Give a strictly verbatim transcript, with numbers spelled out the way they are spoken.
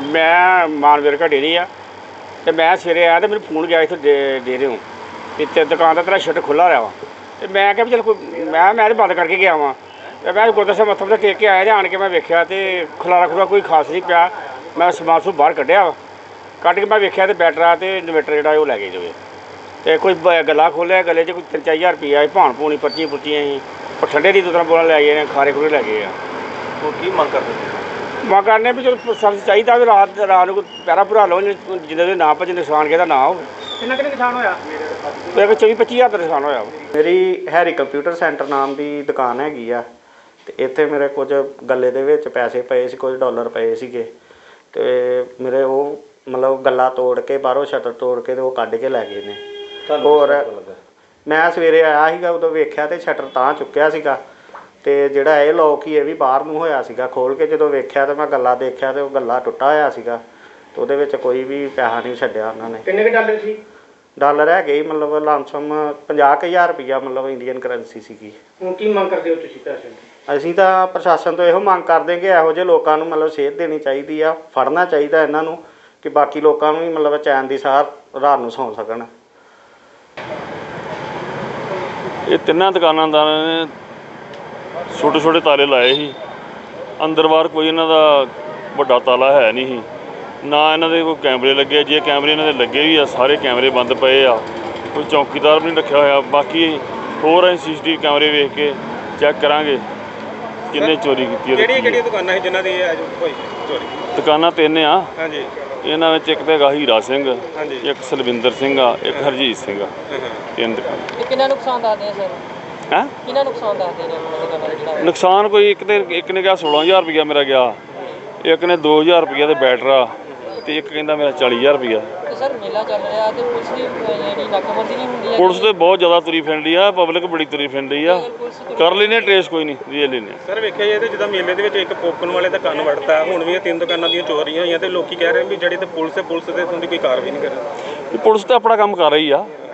मैं मानवीर का डेरी आ तो मैं सवेरे आया तो मेरे फोन गया इतने डे डेरे हूँ तो दुकान का तेरा शटर खुला रहा वा तो मैं क्या भी चल कोई मैं मैं तो बंद करके गया वहाँ तो मैं गुरद्वारा साहब मत्था मुत्था टेक के आया आन के मैं वेख्या तो खलारा खुला कोई खास नहीं पाया। मैं समान सूह बाहर कढ़िया वा कढ़ के मैं वेख्या तो बैटरा तो इन्वेटर जो लै गए जो तो कोई गला खोलिया गले च कोई तीन चार हज़ार रुपया भाण भूनी पर्चियां पुर्चियां ही ठंडे की बोतल बोतल लै गए खारे खुरे लै गए। की मंग करते मां करने भी चलो सब चाहिए भी रात रात को पैरा भरा लो जिन्हें ना भजे नुकसान किहदा ना हो। कितना कितना नुकसान होया? मेरे चौबी पच्ची हज़ार का नुकसान होया। मेरी हैरी कंप्यूटर सेंटर नाम की दुकान हैगी आ ते इत्थे मेरे कुछ गले दे विच पैसे पए सी, कुछ डॉलर पए सीगे ते मेरे वो मतलब गला तोड़ के बाहरों शटर तोड़ के ते वो कढ के लै गए ने। होर मैं सवेरे आया सीगा उदों वेख्या ते शटर तां चुक्किया सीगा ते जिहड़ा ये लॉक ही ये भी बाहर नूं होया सीगा। खोल के जदों वेख्या ते मैं गला देखिया ते वो गला टुੱਟਾ होया सीगा ते ਉਹਦੇ ਵਿੱਚ ਕੋਈ ਵੀ ਪੈਸਾ नहीं ਛੱਡਿਆ ਉਹਨਾਂ ਨੇ। किन्ने के डॉलर सी? ਡਾਲਰ ਹੈਗੇ ਹੀ ਮਤਲਬ ਲਮਸਮ ਪੰਜਾਹ ਕੁ ਹਜ਼ਾਰ ਰੁਪਈਆ ਮਤਲਬ ਇੰਡੀਅਨ ਕਰੰਸੀ ਸੀਗੀ। ਹੁਣ ਕੀ ਮੰਗ ਕਰਦੇ ਹੋ ਤੁਸੀਂ ਪੈਸੇ ਦੀ? ਅਸੀਂ ਤਾਂ ਪ੍ਰਸ਼ਾਸਨ ਤੋਂ ਇਹੋ ਮੰਗ ਕਰਦੇ ਕਿ ਇਹੋ ਜਿਹੇ ਲੋਕਾਂ ਨੂੰ ਮਤਲਬ ਸੇਧ ਦੇਣੀ ਚਾਹੀਦੀ ਆ, ਫੜਨਾ ਚਾਹੀਦਾ ਇਹਨਾਂ ਨੂੰ ਕਿ ਬਾਕੀ ਲੋਕਾਂ ਨੂੰ ਵੀ ਮਤਲਬ ਚੈਨ ਦੀ ਸਾਹ ਰਾਤ ਨੂੰ ਸੌਂ ਸਕਣ। ਇਹ ਤਿੰਨਾਂ ਦੁਕਾਨਾਂਦਾਰਾਂ ਨੇ ਛੋਟੇ ਛੋਟੇ ਤਾਲੇ ਲਾਏ ਸੀ, ਅੰਦਰ ਬਾਹਰ ਕੋਈ ਇਹਨਾਂ ਦਾ ਵੱਡਾ ਤਾਲਾ ਹੈ ਨਹੀਂ ਸੀ, ਨਾ ਇਹਨਾਂ ਦੇ ਕੋਈ ਕੈਮਰੇ ਲੱਗੇ। ਜੇ ਕੈਮਰੇ ਇਹਨਾਂ ਦੇ ਲੱਗੇ ਵੀ ਆ ਸਾਰੇ ਕੈਮਰੇ ਬੰਦ ਪਏ ਆ, ਕੋਈ ਚੌਕੀਦਾਰ ਵੀ ਨਹੀਂ ਰੱਖਿਆ ਹੋਇਆ। ਬਾਕੀ ਹੋਰ ਅਸੀਂ ਸੀ ਸੀ ਟੀ ਵੀ ਕੈਮਰੇ ਵੇਖ ਕੇ ਚੈੱਕ ਕਰਾਂਗੇ ਕਿੰਨੇ ਚੋਰੀ ਕੀਤੀ ਹੈ। ਕਿਹੜੀਆਂ ਕਿਹੜੀਆਂ ਦੁਕਾਨਾਂ ਸੀ ਜਿਨ੍ਹਾਂ ਦੀ ਅੱਜ ਹੋਈ ਚੋਰੀ? ਦੁਕਾਨਾਂ ਤਿੰਨ ਆ ਹਾਂਜੀ। ਇਹਨਾਂ ਵਿੱਚ ਇੱਕ ਤਾਂ ਹੈਗਾ ਹੀਰਾ ਸਿੰਘ, ਹਾਂਜੀ। ਇੱਕ ਸਲਵਿੰਦਰ ਸਿੰਘ ਆ, ਇੱਕ ਹਰਜੀਤ ਸਿੰਘ ਆ। ਤਿੰਨ ਦੁਕਾਨਾਂ। ਕਿੰਨਾ ਨੁਕਸਾਨ ਦੱਸਦੇ ਆ ਸਰ? ਹੈਂ ਕਿੰਨਾ ਨੁਕਸਾਨ ਦੱਸਦੇ ਨੇ ਆਪਣਾ ਦੁਕਾਨਾਂ ਦਾ ਜਿਹੜਾ? ਨੁਕਸਾਨ ਕੋਈ ਇੱਕ ਤੇ ਇੱਕ ਨੇ ਕਿਹਾ ਸੋਲਾਂ ਹਜ਼ਾਰ ਰੁਪਈਆ ਮੇਰਾ ਗਿਆ, ਇੱਕ ਨੇ ਦੋ ਹਜ਼ਾਰ ਰੁਪਈਆ ਤੇ ਬੈਟਰਾ ਤੇ ਇੱਕ ਕਹਿੰਦਾ ਮੇਰਾ ਚਾਲੀ ਹਜ਼ਾਰ ਰੁਪਈਆ। ਤੇ ਸਰ ਮੇਲਾ ਚੱਲ ਰਿਹਾ ਤੇ ਪੁਲਿਸ ਦੀ ਜਿਹੜੀ ਨਾਕਾਬੰਦੀ ਨਹੀਂ ਹੁੰਦੀ ਹੈ? ਪੁਲਿਸ ਤੇ ਬਹੁਤ ਜ਼ਿਆਦਾ ਤੁਰੀ ਫਿਰਦੀ ਆ, ਪਬਲਿਕ ਬੜੀ ਤੁਰੀ ਫਿਰਦੀ ਆ। ਕਰ ਲੈਨੇ ਟਰੇਸ ਕੋਈ ਨਹੀਂ, ਰੀਅਲ ਲੈਨੇ। ਸਰ ਵੇਖਿਆ ਜਾਏ ਤੇ ਜਿੱਦਾਂ ਮੇਲੇ ਦੇ ਵਿੱਚ ਇੱਕ ਪੋਕਣ ਵਾਲੇ ਦਾ ਕੰਨ ਵੜਤਾ, ਹੁਣ ਵੀ ਇਹ ਤਿੰਨ ਦੁਕਾਨਾਂ ਦੀਆਂ ਚੋਰੀਆਂ ਹੋਈਆਂ ਤੇ ਲੋਕੀ ਕਹਿ ਰਹੇ ਵੀ ਜਿਹੜੀ ਤੇ ਪੁਲਿਸ ਹੈ ਪੁਲਿਸ ਤੇ ਉਹਦੀ ਕੋਈ ਕਾਰਵਾਈ ਨਹੀਂ ਕਰ ਰਹੀ। ਪੁਲਿਸ ਤਾਂ ਆਪਣਾ ਕੰਮ ਕਰ ਰਹੀ ਆ।